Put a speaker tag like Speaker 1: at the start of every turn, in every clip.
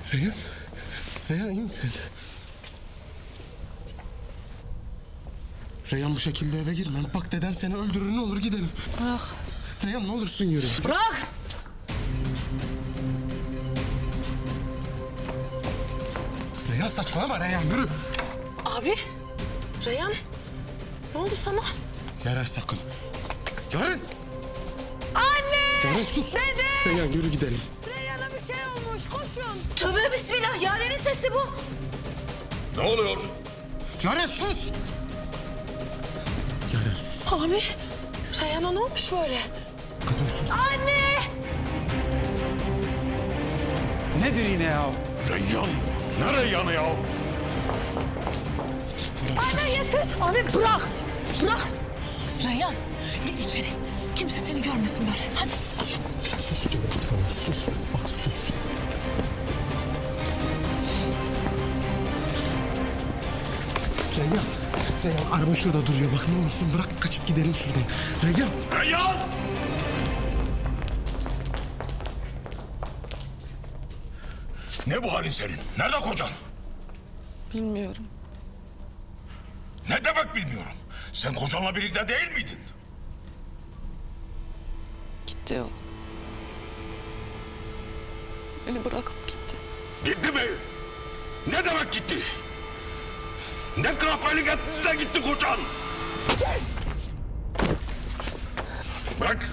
Speaker 1: Reyhan. Reyhan iyi misin? Reyhan bu şekilde eve girmem. Bak dedem seni öldürür, ne olur gidelim.
Speaker 2: Bırak.
Speaker 1: Reyhan ne olursun yürü.
Speaker 2: Bırak.
Speaker 1: Reyhan saçmalama Reyhan yürü.
Speaker 2: Abi. Reyhan. Ne oldu sana?
Speaker 1: Yaren sakın. Yaren.
Speaker 2: Anne.
Speaker 1: Yaren sus.
Speaker 2: Dede.
Speaker 1: Reyhan yürü gidelim.
Speaker 2: Reyhan'a bir şey olmuş. Koşun. Tövbe bismillah. Yaren'in sesi bu.
Speaker 3: Ne oluyor?
Speaker 1: Yaren sus. Yaren sus.
Speaker 2: Abi. Reyhan'a ne olmuş böyle?
Speaker 1: Kızım sus.
Speaker 2: Anne.
Speaker 4: Nedir yine ya?
Speaker 3: Reyyan. Ne Reyyan'ı ya?
Speaker 2: Anne yeter. Abi bırak. Bırak. Reyhan gir içeri. Kimse seni görmesin böyle. Hadi.
Speaker 1: Sus diyorum sana sus. Bak sus. Reyhan. Reyhan araba şurada duruyor. Bak ne olursun bırak kaçıp gidelim şuradan. Reyhan.
Speaker 3: Reyyan! Ne bu halin senin? Nerede kocan?
Speaker 2: Bilmiyorum.
Speaker 3: Ne demek bilmiyorum. Sen kocanla birlikte değil miydin?
Speaker 2: Gitti o. Beni bırakıp gitti.
Speaker 3: Gitti mi? Ne demek gitti? Ne kahpelik etti de gitti kocan? Bırak.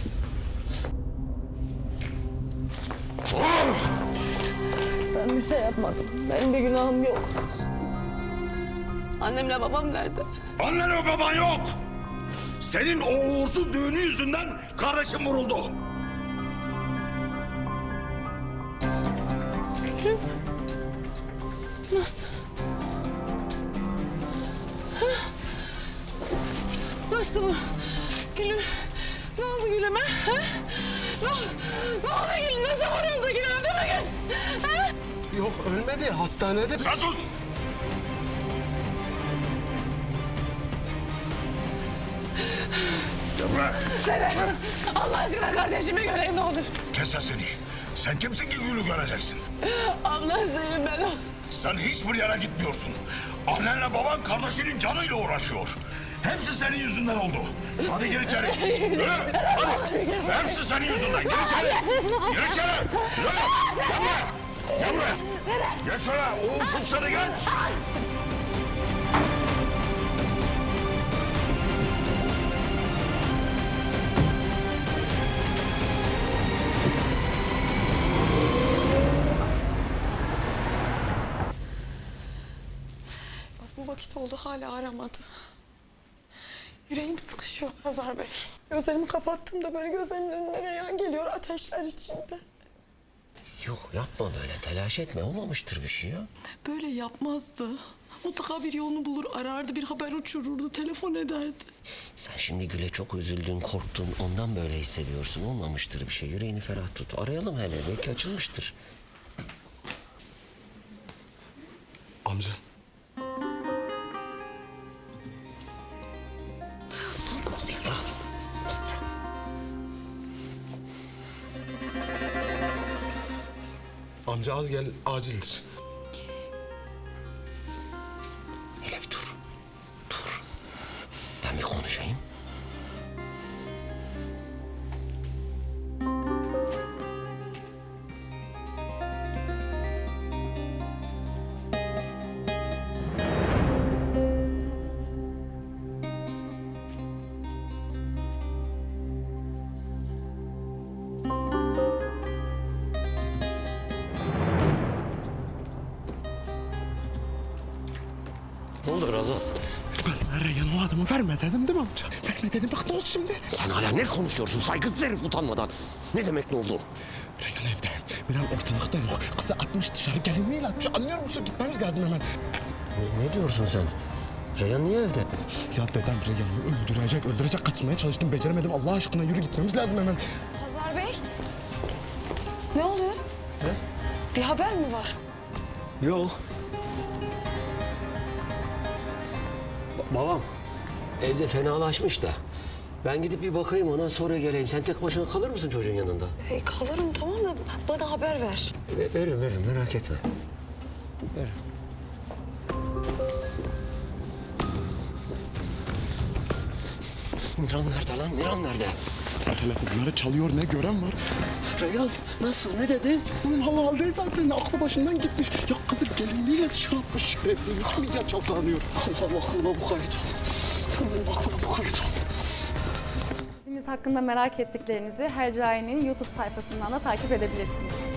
Speaker 3: Oh!
Speaker 5: Ben bir şey yapmadım. Benim bir günahım yok. Annemle babam nerede?
Speaker 3: Annen ve baban yok. Senin o uğursuz düğünü yüzünden kardeşim vuruldu.
Speaker 5: Nasıl? Hah? Nasıl bu? Gülüm. Ne oldu Gülüm'e? Ha? Ne oldu Gülüm? Ne zaman oldu Gülüm? Öldü mü Gül? Ha?
Speaker 1: Yok ölmedi hastanede.
Speaker 3: Sen sus. Devre.
Speaker 5: Dede, Allah aşkına kardeşimi göreyim ne olur.
Speaker 3: Kes sesini. Sen kimsin ki Gül'ü göreceksin?
Speaker 5: Ablasıyım ben o.
Speaker 3: Sen hiçbir yere gitmiyorsun. Annenle baban kardeşinin canıyla uğraşıyor. Hepsi senin yüzünden oldu. Hadi gir içeri. Yürü. Hadi. Hepsi senin yüzünden. Gir içeri. Gir içeri. Yürü. Gel buraya. Gel buraya. Geç şuraya. Uğursuz seni geç.
Speaker 2: Bu vakit oldu hala aramadı. Yüreğim sıkışıyor Hazar Bey. Gözlerimi kapattığımda böyle gözlerimin önüne Reyhan geliyor ateşler içinde.
Speaker 6: Yok yapma böyle telaş etme olmamıştır bir şey ya.
Speaker 2: Böyle yapmazdı. Mutlaka bir yolunu bulur, arardı, bir haber uçururdu, telefon ederdi.
Speaker 6: Sen şimdi Gül'e çok üzüldün korktun ondan böyle hissediyorsun olmamıştır bir şey. Yüreğini ferah tut arayalım hele belki açılmıştır.
Speaker 1: Amca. Amca az gel acildir.
Speaker 6: Hele bir dur. Dur. Ben bir konuşayım. Ne olur Azat?
Speaker 1: Ben sana Reyhan o adamı verme dedim değil mi amca? Verme dedim bak ne oldu şimdi?
Speaker 6: Sen hala ne konuşuyorsun saygısız herif utanmadan? Ne demek ne oldu?
Speaker 1: Reyhan evde. Miran ortalıkta yok. Kızı atmış dışarı gelinliğiyle atmış. Anlıyor musun? Gitmemiz lazım hemen.
Speaker 6: Ne diyorsun sen? Reyhan niye evde?
Speaker 1: Ya dedem Reyhan'ı öldürecek kaçmaya çalıştım. Beceremedim. Allah aşkına yürü gitmemiz lazım hemen.
Speaker 2: Hazar Bey, ne oluyor? Bir haber mi var?
Speaker 6: Yok. Babam evde fenalaşmış da Ben gidip bir bakayım ona sonra geleyim. Sen tek başına kalır mısın çocuğun yanında?
Speaker 2: Kalırım tamam da bana haber ver.
Speaker 6: Veririm merak etme. Veririm. Miran nerede lan? Miran nerede?
Speaker 1: Telefonları çalıyor, ne gören var.
Speaker 6: Reyhan nasıl? Ne dedi?
Speaker 1: Bunun halı halde zaten aklı başından gitmiş. Ya kızı gelinliğiyle dışarı atmış şerefsiz. Bütün millet çalkalanıyor.
Speaker 6: Allah'ım aklıma bu kayıt ol. Sen benim aklıma bu kayıt ol.
Speaker 7: Dizimiz hakkında merak ettiklerinizi Hercai'nin YouTube sayfasından da takip edebilirsiniz.